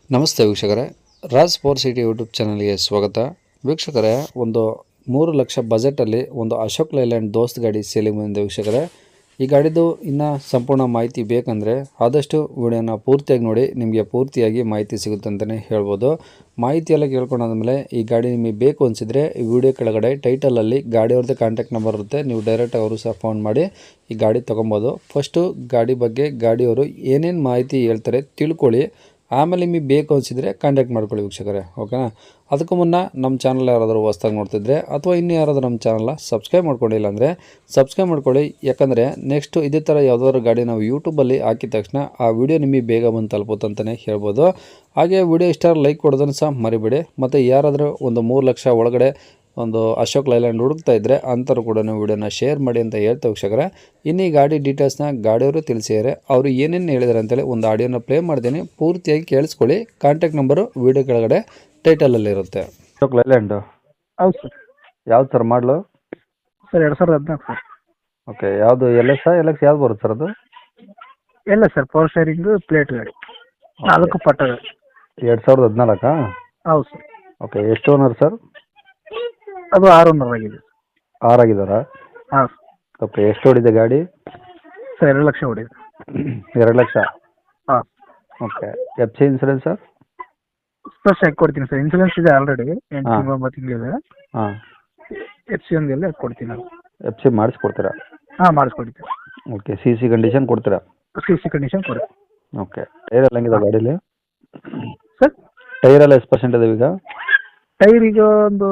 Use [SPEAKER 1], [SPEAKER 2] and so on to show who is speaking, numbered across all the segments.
[SPEAKER 1] ನಮಸ್ತೆ ವೀಕ್ಷಕರೇ, Raj sports city YouTube ಚಾನಲ್ಗೆ ಸ್ವಾಗತ. ವೀಕ್ಷಕರೇ, ಒಂದು 3 ಲಕ್ಷ ಬಜೆಟಲ್ಲಿ ಒಂದು ಅಶೋಕ್ ಲೈಲ್ಯಾಂಡ್ ದೋಸ್ತ್ ಗಾಡಿ ಸೇಲಿಂಗ್ ಬಂದಿದೆ ವೀಕ್ಷಕರೇ. ಈ ಗಾಡಿದು ಇನ್ನೂ ಸಂಪೂರ್ಣ ಮಾಹಿತಿ ಬೇಕಂದರೆ ಆದಷ್ಟು ವಿಡಿಯೋನ ಪೂರ್ತಿಯಾಗಿ ನೋಡಿ, ನಿಮಗೆ ಪೂರ್ತಿಯಾಗಿ ಮಾಹಿತಿ ಸಿಗುತ್ತೆ ಅಂತಲೇ ಹೇಳ್ಬೋದು. ಮಾಹಿತಿ ಎಲ್ಲ ಕೇಳ್ಕೊಂಡಾದ್ಮೇಲೆ ಈ ಗಾಡಿ ನಿಮಗೆ ಬೇಕು ಅನಿಸಿದರೆ ಈ ವಿಡಿಯೋ ಕೆಳಗಡೆ ಟೈಟಲಲ್ಲಿ ಗಾಡಿಯವ್ರದ್ದು ಕಾಂಟ್ಯಾಕ್ಟ್ ನಂಬರ್ ಇರುತ್ತೆ, ನೀವು ಡೈರೆಕ್ಟ್ ಅವರು ಸಹ ಫೋನ್ ಮಾಡಿ ಈ ಗಾಡಿ ತೊಗೊಬೋದು. ಫಸ್ಟು ಗಾಡಿ ಬಗ್ಗೆ ಗಾಡಿಯವರು ಏನೇನು ಮಾಹಿತಿ ಹೇಳ್ತಾರೆ ತಿಳ್ಕೊಳ್ಳಿ, ಆಮೇಲೆ ನಿಮಗೆ ಬೇಕು ಅನಿಸಿದರೆ ಕಾಂಟ್ಯಾಕ್ಟ್ ಮಾಡ್ಕೊಳ್ಳಿ ವೀಕ್ಷಕರೇ, ಓಕೆನಾ. ಅದಕ್ಕೂ ಮುನ್ನ ನಮ್ಮ ಚಾನಲ್ ಯಾರಾದರೂ ಹೊಸ್ದಾಗಿ ನೋಡ್ತಿದ್ರೆ ಅಥವಾ ಇನ್ನೂ ಯಾರಾದರೂ ನಮ್ಮ ಚಾನಲ್ನ ಸಬ್ಸ್ಕ್ರೈಬ್ ಮಾಡ್ಕೊಂಡಿಲ್ಲ ಅಂದರೆ ಸಬ್ಸ್ಕ್ರೈಬ್ ಮಾಡ್ಕೊಳ್ಳಿ. ಯಾಕಂದರೆ ನೆಕ್ಸ್ಟು ಇದೇ ಥರ ಯಾವುದಾದ್ರು ಗಾಡಿ ನಾವು ಯೂಟ್ಯೂಬಲ್ಲಿ ಹಾಕಿದ ತಕ್ಷಣ ಆ ವಿಡಿಯೋ ನಿಮಗೆ ಬೇಗ ಬಂದು ತಲುಪುತ್ತೆ ಅಂತಲೇ ಹೇಳ್ಬೋದು. ಹಾಗೆ ವಿಡಿಯೋ ಇಷ್ಟ ಲೈಕ್ ಕೊಡೋದನ್ನು ಸಹ ಮರಿಬೇಡಿ. ಮತ್ತು ಯಾರಾದರೂ ಒಂದು 3 ಲಕ್ಷ ಒಳಗಡೆ ಒಂದು ಅಶೋಕ್ ಲೈಲ್ಯಾಂಡ್ ಹುಡುಕ್ತಾ ಇದ್ದರೆ ಅಂಥವ್ರು ಕೂಡ ವಿಡಿಯೋನ ಶೇರ್ ಮಾಡಿ ಅಂತ ಹೇಳ್ತಾ ವೀಕ್ಷಕರೇ. ಇನ್ನು ಈ ಗಾಡಿ ಡೀಟೇಲ್ಸ್ನ ಗಾಡಿಯವರು ತಿಳಿಸಿದ್ದಾರೆ, ಅವರು ಏನೇನು ಹೇಳಿದ್ದಾರೆ ಅಂತೇಳಿ ಒಂದು ಆಡಿಯೋನ ಪ್ಲೇ ಮಾಡ್ತೀನಿ, ಪೂರ್ತಿಯಾಗಿ ಕೇಳಿಸ್ಕೊಳ್ಳಿ. ಕಾಂಟ್ಯಾಕ್ಟ್ ನಂಬರು ವಿಡಿಯೋ ಕೆಳಗಡೆ ಟೈಟಲಲ್ಲಿರುತ್ತೆ. ಅಶೋಕ್ ಲೈಲ್ಯಾಂಡು
[SPEAKER 2] ಹೌದು ಸರ್.
[SPEAKER 1] ಯಾವ್ದು ಸರ್ ಮಾಡಲು?
[SPEAKER 2] Sir 2014 sir.
[SPEAKER 1] ಓಕೆ, ಯಾವುದು ಎಲ್ ಎಕ್ಸ್ ಯಾವ್ದು ಬರುತ್ತೆ ಸರ್ ಅದು?
[SPEAKER 2] ಇಲ್ಲ ಸರ್, ಪವರ್ ಸ್ಟೇರಿಂಗು ಪ್ಲೇಟ್ ಗಾಡಿ, 4 ಪಟ್ಟ ಗಾಡಿ.
[SPEAKER 1] 2014?
[SPEAKER 2] ಹೌದು ಸರ್.
[SPEAKER 1] ಓಕೆ, ಎಷ್ಟು ಓನರ್ ಸರ್?
[SPEAKER 2] ಅದು 6 ಆಗಿದೆ.
[SPEAKER 1] 6 ಆಗಿದ್ದಾರಾ?
[SPEAKER 2] ಹಾಂ
[SPEAKER 1] ಓಕೆ, ಎಷ್ಟು ಹೊಡಿದೆ ಗಾಡಿ?
[SPEAKER 2] ಸರ್ 2 ಲಕ್ಷ ಹೊಡಿದೆ.
[SPEAKER 1] 2 ಲಕ್ಷ?
[SPEAKER 2] ಹಾಂ.
[SPEAKER 1] Okay, F C insurance sir?
[SPEAKER 2] First ಹಾಕಿ ಕೊಡ್ತೀನಿ ಸರ್, ಇನ್ಸೂರೆನ್ಸ್ ಇದೆ ಆಲ್ರೆಡಿ 8 ತಿಂಗಳು 9 ತಿಂಗಳಿದೆ.
[SPEAKER 1] ಹಾಂ.
[SPEAKER 2] ಎಫ್ ಸಿ ಒಂದೆಲ್ಲ ಕೊಡ್ತೀನಿ ನಾನು.
[SPEAKER 1] ಎಫ್ ಸಿ ಮಾಡಿಸ್ಕೊಡ್ತೀರಾ?
[SPEAKER 2] ಹಾಂ, ಮಾಡಿಸ್ಕೊಡ್ತೀನಿ.
[SPEAKER 1] ಓಕೆ, ಸಿ ಸಿ ಕಂಡೀಷನ್ ಕೊಡ್ತೀರಾ?
[SPEAKER 2] ಸಿ ಸಿ ಕಂಡೀಷನ್ ಕೊಡಿ.
[SPEAKER 1] ಓಕೆ, ಟೈರ್ ಎಲ್ಲ ಹೆಂಗಿದೆ ಗಾಡೀಲಿ?
[SPEAKER 2] ಸರ್
[SPEAKER 1] ಟೈರ್ ಎಲ್ಲ ಎಷ್ಟು ಪರ್ಸೆಂಟ್ ಇದೆ ಈಗ?
[SPEAKER 2] ಟೈರ್ ಈಗ ಒಂದು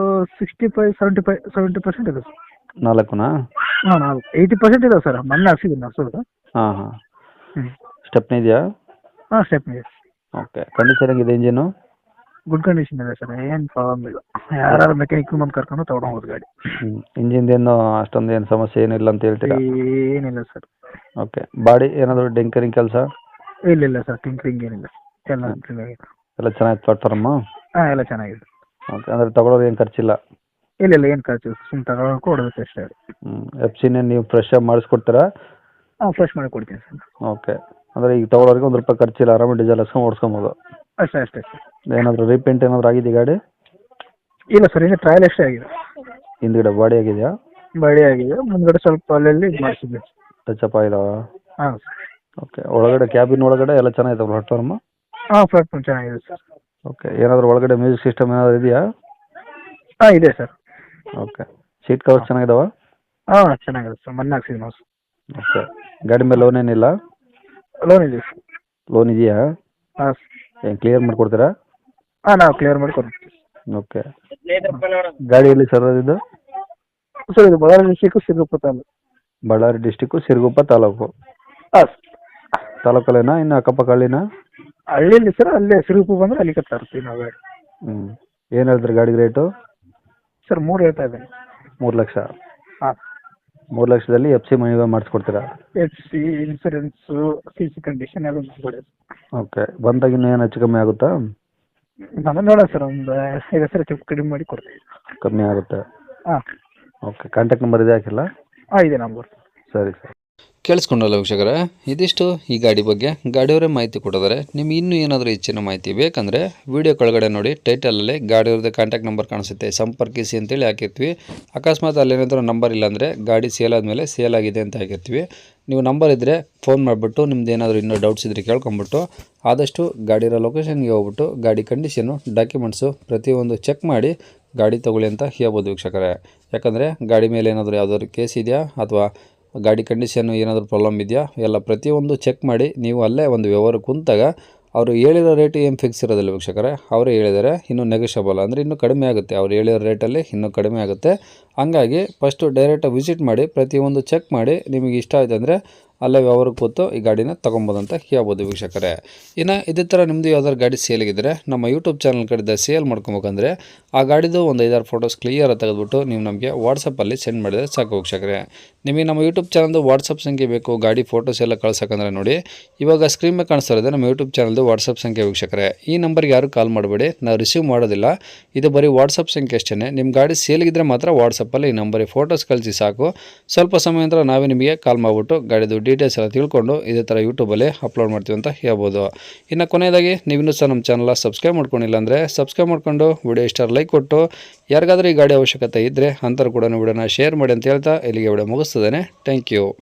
[SPEAKER 2] 65-70% ಇದೆ ಸರ್.
[SPEAKER 1] 4ನಾ?
[SPEAKER 2] ಹಾಂ, 80% ಇದೆ ಸರ್. ಮೊನ್ನೆ ಹಾಕ್ಸಿದ್ದೀನಿ ಹಾಕ್ಸೋದು.
[SPEAKER 1] ಹಾಂ ಹಾಂ.
[SPEAKER 2] ಹ್ಞೂ.
[SPEAKER 1] ಸ್ಟೆಪ್ನಿ ಇದೆಯಾ?
[SPEAKER 2] ಹಾಂ, ಸ್ಟೆಪ್ನಿ ಇದೆ.
[SPEAKER 1] ಓಕೆ, ಕಂಡೀಷನ್ ಹೆಂಗಿದೆ ಇಂಜಿನು?
[SPEAKER 2] ಗುಡ್ ಕಂಡೀಷನ್ ಇದೆ ಸರ್, ಏನು ಪ್ರಾಬ್ಲಮ್ ಇಲ್ಲ. ಯಾರು ಮೆಕ್ಯಾನಿಕ್ ಬಂದು ಕರ್ಕೊಂಡು ತೊಗೊಂಡೋಗೋದು ಗಾಡಿ.
[SPEAKER 1] ಇಂಜಿನ್ದೇನು ಅಷ್ಟೊಂದು ಏನು ಸಮಸ್ಯೆ ಏನಿಲ್ಲ ಅಂತ ಹೇಳ್ತೀರಾ?
[SPEAKER 2] ಏನಿಲ್ಲ ಸರ್.
[SPEAKER 1] ಓಕೆ, ಬಾಡಿ ಏನಾದರೂ ಡೆಂಕರಿಂಗ್ ಕೆಲಸ?
[SPEAKER 2] ಇಲ್ಲ ಸರ್, ಟಿಂಕ್ರಿಂಗ್ ಏನಿಲ್ಲ, ಎಲ್ಲ ಚೆನ್ನಾಗಿದೆ.
[SPEAKER 1] ಎಲ್ಲ ಚೆನ್ನಾಗಿ ಪ್ಲಾಟ್ಫಾರ್ಮು?
[SPEAKER 2] ಹಾಂ, ಎಲ್ಲ ಚೆನ್ನಾಗಿದೆ.
[SPEAKER 1] ಓಕೆ, ಅಂದರೆ ತಗೊಳ್ಳೋದು ಏನು ಖರ್ಚಿಲ್ಲ?
[SPEAKER 2] ಇಲ್ಲ ಏನು ಖರ್ಚು, ಸುಮ್ಮನೆ ತಗೊಳಕ್ಕೆ ಕೊಡೋದಕ್ಕೆ ಅಷ್ಟೇ.
[SPEAKER 1] ಎಫ್ ಸಿನೇ ನೀವು ಫ್ರೆಶ್ ಆಗಿ ಮಾಡಿಸ್ಕೊಡ್ತೀರಾ?
[SPEAKER 2] ಹಾಂ, ಫ್ರೆಶ್ ಮಾಡಿ ಕೊಡ್ತೀನಿ ಸರ್.
[SPEAKER 1] ಓಕೆ, ಅಂದರೆ ಈಗ ತಗೊಳ್ಳೋರಿಗೆ ₹1 ಖರ್ಚಿಲ್ಲ, ಆರಾಮಾಗಿ ಡೀಸೆಲ್ ಹಾಕ್ಸ್ಕೊಂಡು ಓಡಿಸ್ಕೊಬೋದು?
[SPEAKER 2] ಅಷ್ಟೇ ಸರ್.
[SPEAKER 1] ಏನಾದರೂ ರೀಪೇಂಟ್ ಏನಾದರೂ ಆಗಿದೆ ಗಾಡಿ?
[SPEAKER 2] ಇಲ್ಲ ಸರ್, ಈಗ ಟ್ರಯಲ್ ಅಷ್ಟೇ ಆಗಿದೆ.
[SPEAKER 1] ಹಿಂದ್ಗಡೆ ಬಾಡಿ ಆಗಿದೆಯಾ?
[SPEAKER 2] ಬಾಡಿ ಆಗಿದೆ, ಮುಂದ್ಗಡೆ ಸ್ವಲ್ಪ ಅಲ್ಲಲ್ಲಿ ಮಾಡಿಸಿದ್ವಿ.
[SPEAKER 1] ಟಚಪ್ ಆಗಿದಾವ?
[SPEAKER 2] ಹಾಂ ಸರ್.
[SPEAKER 1] ಓಕೆ, ಒಳಗಡೆ ಕ್ಯಾಬಿನ್ ಒಳಗಡೆ ಎಲ್ಲ ಚೆನ್ನಾಗಿದೆ ಪ್ಲಾಟ್ಫಾರ್ಮು?
[SPEAKER 2] ಹಾಂ, ಪ್ಲಾಟ್ಫಾರ್ಮ್ ಚೆನ್ನಾಗಿದೆ ಸರ್.
[SPEAKER 1] ಓಕೆ, ಏನಾದರೂ ಒಳಗಡೆ ಮ್ಯೂಸಿಕ್ ಸಿಸ್ಟಮ್ ಏನಾದರೂ ಇದೆಯಾ?
[SPEAKER 2] ಹಾಂ, ಇದೆ ಸರ್.
[SPEAKER 1] ಓಕೆ, ಸೀಟ್ ಕವರ್ಸ್ ಚೆನ್ನಾಗಿದಾವ?
[SPEAKER 2] ಹಾಂ, ಚೆನ್ನಾಗಿದೆ ಸರ್, ಮೊನ್ನೆ ಹಾಕ್ಸಿದ್ದೀನಿ ನಾವು.
[SPEAKER 1] ಓಕೆ, ಗಾಡಿ ಮೇಲೆ ಲೋನ್ ಏನಿಲ್ಲ?
[SPEAKER 2] ಲೋನ್ ಇದೆ ಸರ್.
[SPEAKER 1] ಲೋನ್ ಇದೆಯಾ?
[SPEAKER 2] ಹಾಂ.
[SPEAKER 1] ಏನು ಕ್ಲಿಯರ್ ಮಾಡಿಕೊಡ್ತೀರಾ?
[SPEAKER 2] ಹಾಂ, ನಾವು ಕ್ಲಿಯರ್ ಮಾಡಿ ಕೊಡ್ತೀವಿ.
[SPEAKER 1] ಓಕೆ, ಗಾಡಿ ಎಲ್ಲಿ ಸರ್ ಇದು?
[SPEAKER 2] ಸರ್, ಇದು ಬಳ್ಳಾರಿ ಡಿಸ್ಟಿಕ್ಕು ಸಿರುಗುಪ್ಪ ತಾಲೂಕು.
[SPEAKER 1] ಬಳ್ಳಾರಿ ಡಿಸ್ಟಿಕ್ಕು ಸಿರುಗುಪ್ಪ ತಾಲೂಕು?
[SPEAKER 2] ಹಾಂ.
[SPEAKER 1] ತಾಲೂಕಲ್ಲೇನಾ ಇನ್ನು ಅಕ್ಕಪಕ್ಕ ಹಳ್ಳಿನಾ?
[SPEAKER 2] ಹಳ್ಳಿಯಲ್ಲಿ ಸರ್, ಅಲ್ಲೇ ಸಿರುಗುಪ್ಪ ಬಂದರೆ ಅಲ್ಲಿ ತರ್ತೀವಿ ನಾವು ಗಾಡಿ.
[SPEAKER 1] ಏನು ಹೇಳ್ತೀರಿ ಗಾಡಿಗೆ ರೇಟು?
[SPEAKER 2] ಸರ್ 3 ಹೇಳ್ತಾ ಇದ್ದೇನೆ.
[SPEAKER 1] 3 ಲಕ್ಷ?
[SPEAKER 2] ಹಾಂ.
[SPEAKER 1] 3 ಲಕ್ಷದಲ್ಲಿ ಎಫ್ ಸಿ ಮನಿ ಮಾಡಿಸ್ಕೊಡ್ತೀರಾ?
[SPEAKER 2] F C, insurance, C C condition ಎಲ್ಲ ಮಾಡಿಕೊಡಿ.
[SPEAKER 1] ಓಕೆ, ಬಂದಾಗ ಇನ್ನೂ ಏನು ಹೆಚ್ಚು ಕಮ್ಮಿ ಆಗುತ್ತಾ?
[SPEAKER 2] ನಾನು ನೋಡೋಣ ಸರ್, ಒಂದು 5 ಸರ್ ಕಡಿಮೆ ಮಾಡಿ ಕೊಡ್ತೀವಿ.
[SPEAKER 1] ಕಮ್ಮಿ ಆಗುತ್ತೆ?
[SPEAKER 2] ಹಾಂ.
[SPEAKER 1] ಓಕೆ, ಕಾಂಟ್ಯಾಕ್ಟ್ ನಂಬರ್ ಇದೆ ಹಾಕಿಲ್ಲ?
[SPEAKER 2] ಹಾಂ, ಇದೆ ನಂಬರ್.
[SPEAKER 1] ಸರಿ ಸರ್. ಕೇಳಿಸ್ಕೊಂಡಲ್ಲ ವೀಕ್ಷಕರೇ, ಇದಿಷ್ಟು ಈ ಗಾಡಿ ಬಗ್ಗೆ ಗಾಡಿಯವರೇ ಮಾಹಿತಿ ಕೊಟ್ಟಿದ್ದಾರೆ. ನಿಮ್ಗೆ ಇನ್ನೂ ಏನಾದರೂ ಹೆಚ್ಚಿನ ಮಾಹಿತಿ ಬೇಕಂದರೆ ವಿಡಿಯೋ ಕೆಳಗಡೆ ನೋಡಿ, ಟೈಟಲಲ್ಲಿ ಗಾಡಿಯವ್ರದ್ದು ಕಾಂಟ್ಯಾಕ್ಟ್ ನಂಬರ್ ಕಾಣಿಸುತ್ತೆ, ಸಂಪರ್ಕಿಸಿ ಅಂತೇಳಿ ಹಾಕಿರ್ತೀವಿ. ಅಕಸ್ಮಾತ್ ಅಲ್ಲೇನಾದರೂ ನಂಬರ್ ಇಲ್ಲಾಂದರೆ ಗಾಡಿ ಸೇಲ್ ಆದಮೇಲೆ ಸೇಲ್ ಆಗಿದೆ ಅಂತ ಹಾಕಿರ್ತೀವಿ. ನೀವು ನಂಬರ್ ಇದ್ದರೆ ಫೋನ್ ಮಾಡಿಬಿಟ್ಟು ನಿಮ್ದು ಏನಾದರೂ ಇನ್ನೂ ಡೌಟ್ಸ್ ಇದ್ದರೆ ಕೇಳ್ಕೊಂಬಿಟ್ಟು ಆದಷ್ಟು ಗಾಡಿರೋ ಲೊಕೇಶನ್ಗೆ ಹೋಗ್ಬಿಟ್ಟು ಗಾಡಿ ಕಂಡೀಷನು, ಡಾಕ್ಯುಮೆಂಟ್ಸು ಪ್ರತಿಯೊಂದು ಚೆಕ್ ಮಾಡಿ ಗಾಡಿ ತೊಗೊಳ್ಳಿ ಅಂತ ಹೇಳ್ಬೋದು ವೀಕ್ಷಕರೇ. ಯಾಕಂದರೆ ಗಾಡಿ ಮೇಲೆ ಏನಾದರೂ ಯಾವುದಾದ್ರು ಕೇಸ್ ಇದೆಯಾ ಅಥವಾ ಗಾಡಿ ಕಂಡೀಷನ್ನು ಏನಾದರೂ ಪ್ರಾಬ್ಲಮ್ ಇದೆಯಾ ಎಲ್ಲ ಪ್ರತಿಯೊಂದು ಚೆಕ್ ಮಾಡಿ ನೀವು ಅಲ್ಲೇ ಒಂದು ವ್ಯವಹಾರ ಕುಂತಾಗ ಅವರು ಹೇಳಿರೋ ರೇಟ್ ಏನು ಫಿಕ್ಸ್ ಇರೋದಿಲ್ಲ ವೀಕ್ಷಕರೇ, ಅವರೇ ಹೇಳಿದ್ದಾರೆ ಇನ್ನೂ ನೆಗೋಷಿಯಬಲ್, ಅಂದರೆ ಇನ್ನೂ ಕಡಿಮೆ ಆಗುತ್ತೆ, ಅವ್ರು ಹೇಳಿರೋ ರೇಟಲ್ಲಿ ಇನ್ನೂ ಕಡಿಮೆ ಆಗುತ್ತೆ. ಹಂಗಾಗಿ ಫಸ್ಟು ಡೈರೆಕ್ಟಾಗಿ ವಿಸಿಟ್ ಮಾಡಿ ಪ್ರತಿಯೊಂದು ಚೆಕ್ ಮಾಡಿ ನಿಮಗೆ ಇಷ್ಟ ಆಯ್ತು ಅಂದರೆ ಅಲ್ಲೇ ವ್ಯವಹಾರಕ್ಕೆ ಕೂತು ಈ ಗಾಡಿನ ತೊಗೊಬೋದು ಅಂತ ಹೇಳ್ಬೋದು ವೀಕ್ಷಕರೇ. ಇನ್ನು ಇದೇ ಥರ ನಿಮ್ಮದು ಯಾವ್ದಾದ್ರು ಗಾಡಿ ಸೇಲಿಗಿದ್ರೆ ನಮ್ಮ ಯೂಟ್ಯೂಬ್ ಚಾನಲ್ ಕಡೆಯಿಂದ ಸೇಲ್ ಮಾಡ್ಕೊಬೇಕಂದ್ರೆ ಆ ಗಾಡಿದು ಒಂದು 5-6 ಫೋಟೋಸ್ ಕ್ಲಿಯರ್ ತೆಗೆದುಬಿಟ್ಟು ನೀವು ನಮಗೆ ವಾಟ್ಸಪ್ಪಲ್ಲಿ ಸೆಂಡ್ ಮಾಡಿದರೆ ಸಾಕು ವೀಕ್ಷಕರೇ. ನಿಮಗೆ ನಮ್ಮ ಯೂಟ್ಯೂಬ್ ಚಾನಲ್ದು ವಾಟ್ಸಪ್ ಸಂಖ್ಯೆ ಬೇಕು ಗಾಡಿ ಫೋಟೋಸ್ ಎಲ್ಲ ಕಳ್ಸೋಕಂದ್ರೆ ನೋಡಿ, ಇವಾಗ ಸ್ಕ್ರೀನ್ ಮೇಲೆ ಕಾಣಿಸ್ತಾ ಇರೋದು ನಮ್ಮ ಯೂಟ್ಯೂಬ್ ಚಾನಲ್ದು ವಾಟ್ಸಪ್ ಸಂಖ್ಯೆ ವೀಕ್ಷಕರೇ. ಈ ನಂಬರ್ಗೆ ಯಾರು ಕಾಲ್ ಮಾಡಬೇಡಿ, ನಾವು ರಿಸೀವ್ ಮಾಡೋದಿಲ್ಲ. ಇದು ಬರೀ ವಾಟ್ಸಪ್ ಸಂಖ್ಯೆ ಅಷ್ಟೇ. ನಿಮ್ಮ ಗಾಡಿ ಸೇಲ್ಗಿದ್ರೆ ಮಾತ್ರ ವಾಟ್ಸಪ್ಪಲ್ಲಿ ಈ ನಂಬರಿಗೆ ಫೋಟೋಸ್ ಕಳಿಸಿ ಸಾಕು. ಸ್ವಲ್ಪ ಸಮಯ ನಂತರ ನಾವೇ ನಿಮಗೆ ಕಾಲ್ ಮಾಡಿಬಿಟ್ಟು ಗಾಡಿದು ಡೀಟೇಲ್ಸ್ ಎಲ್ಲ ತಿಳ್ಕೊಂಡು ಇದೇ ಥರ ಯೂಟ್ಯೂಬಲ್ಲಿ ಅಪ್ಲೋಡ್ ಮಾಡ್ತೀವಿ ಅಂತ ಹೇಳ್ಬೋದು. ಇನ್ನು ಕೊನೆಯದಾಗಿ ನೀವಿನ್ನೂ ಸಹ ನಮ್ಮ ಚಾನಲ್ನ ಸಬ್ಸ್ಕ್ರೈಬ್ ಮಾಡ್ಕೊಂಡಿಲ್ಲ ಅಂದರೆ ಸಬ್ಸ್ಕ್ರೈಬ್ ಮಾಡ್ಕೊಂಡು ವಿಡಿಯೋ ಇಷ್ಟ ಲೈಕ್ ಕೊಟ್ಟು, ಯಾರಿಗಾದ್ರೂ ಈ ಗಾಡಿ ಅವಶ್ಯಕತೆ ಇದ್ದರೆ ಅಂಥವ್ರು ಕೂಡ ವಿಡಿಯೋನ ಶೇರ್ ಮಾಡಿ ಅಂತ ಹೇಳ್ತಾ ಇಲ್ಲಿಗೆ ವಿಡಿಯೋ ಮುಗಿಸ್ತದೇನೆ. Thank you.